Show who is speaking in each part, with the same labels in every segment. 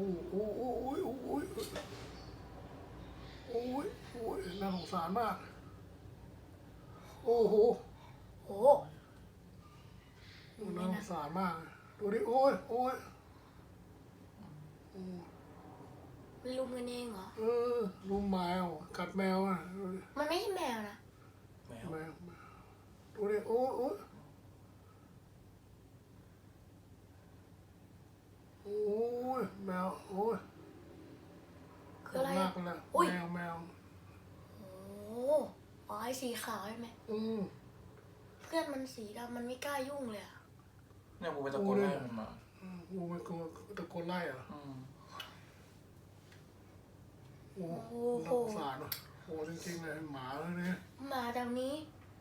Speaker 1: โอ้โอ้โอ้ยโอ้ยโอ้ยโอ้ยน่าสงสารมากโอ้โห
Speaker 2: โอ้
Speaker 1: น่าสงสารมากดูดิโอ้ยโอ้ย
Speaker 2: มันลุมกันเองเหรอ
Speaker 1: ลุมแมวกัดแมวอ่ะดูดิ
Speaker 2: มันไม่ใช่แมวนะ
Speaker 3: แมว
Speaker 1: แมวดูดิโอ้ยโอ้ยโอ้ยแมวโอ้ย
Speaker 2: คืออะไร
Speaker 1: มา
Speaker 2: อะ
Speaker 1: กเลย
Speaker 2: อุ้ย
Speaker 1: แมว
Speaker 2: โอ้อ๋อไอ้สีขาวใช่ไหม เพื่อนมันสีดำมันไม่กล้ายุ่งเลยอะ
Speaker 3: เนี่ยกูไปตะโกนไล่มันมา
Speaker 1: งูมันกลัวตะโกนไล่เหรอ โอ้โหน่าสงสารว่ะโอ้จริงๆเลยหมาเลยเนี่ย
Speaker 2: หมาแบบนี้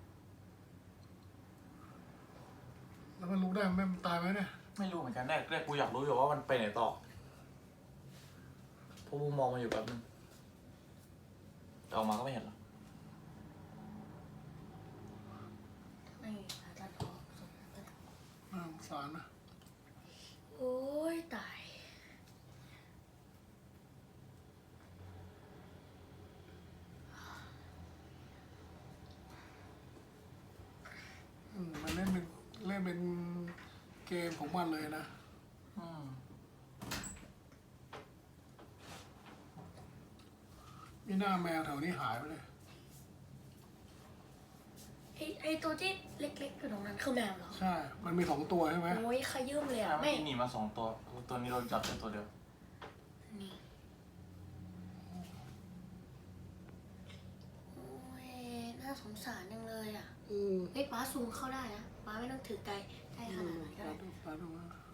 Speaker 1: แล้วมันลุกได้ไหมมันตายไหมเนี่ย
Speaker 3: ไม่รู้เหมือนกันแรกกูอยากรู้อยู่ว่ามันไปไหนต่อเพราะกูมองมาอยู่แบบนึงแต่ออกมาก็ไม่เห็นหรอก
Speaker 2: ไม่ผ่าตัดออกส่งก็ได้
Speaker 1: น่าสงสารนะ
Speaker 2: โอ้ยตาย
Speaker 1: มันเล่นเป็นเกมของมันเลยนะ มีหน้าแมวแถวนี้หายไปเลย
Speaker 2: ไอ้ตัวที่เล็กๆอยู่ตรงนั้นคือแมวเหรอ
Speaker 1: ใช่ มันมี2 ตัวใช่ไหม
Speaker 2: โอ้ยขยื่มเลย
Speaker 3: แต่
Speaker 2: อะ
Speaker 3: เมื่อ
Speaker 2: ไม่
Speaker 3: กี้หนีมา2 ตัวตัวนี้เราจับแค่ตัวเดียว
Speaker 2: นี่โอ้ยน่าสงสารจังเลยอะเฮ้ยป้าซูมเข้าได้นะป้าไม่ต้องถือไกลขนาดนั้นก็ได้
Speaker 1: ปลาดู